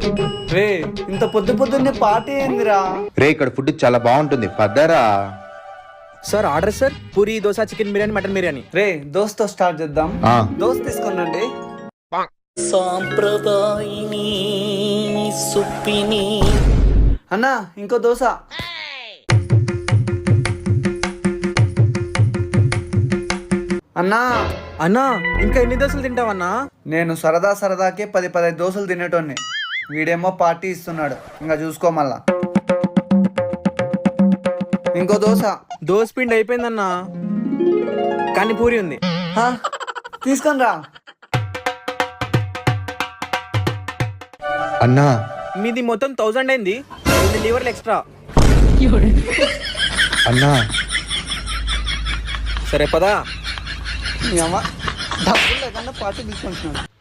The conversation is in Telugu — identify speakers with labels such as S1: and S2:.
S1: రే ఇంత పొద్దు పొద్దున్నే పార్టీ ఏందిరా?
S2: రే ఇక్కడ ఫుడ్ చాలా బాగుంటుంది పద్దరా.
S3: Sir order sir, puri dosa chicken biryani mutton biryani.
S1: రే దోస్తో స్టార్ట్ చేద్దాం.
S2: ఆ,
S1: దోస్ తీసుకోనండి.
S4: సాంప్రదాయిని సుప్పిని.
S1: అన్నా ఇంకో దోశ. అన్నా
S3: అన్నా ఇంకా ఎన్ని దోశలు తింటావన్నా?
S1: నేను సరదాకే 10-15 దోశలు తినేటోన్ని. వీడేమో పార్టీ ఇస్తున్నాడు, ఇంకా చూసుకో మళ్ళా. ఇంకో దోశ.
S3: దోశ పిండి అయిపోయిందన్నా, కానీ పూరి ఉంది.
S1: తీసుకొని రా.
S2: అన్నా
S3: మీది మొత్తం 1000 అయింది, 2 లీవర్లు ఎక్స్ట్రా.
S2: అన్నా
S3: సరే పదా.
S1: మీ అమ్మ డబ్బులు లేకుండా పార్టీ తీసుకుంటున్నాడు.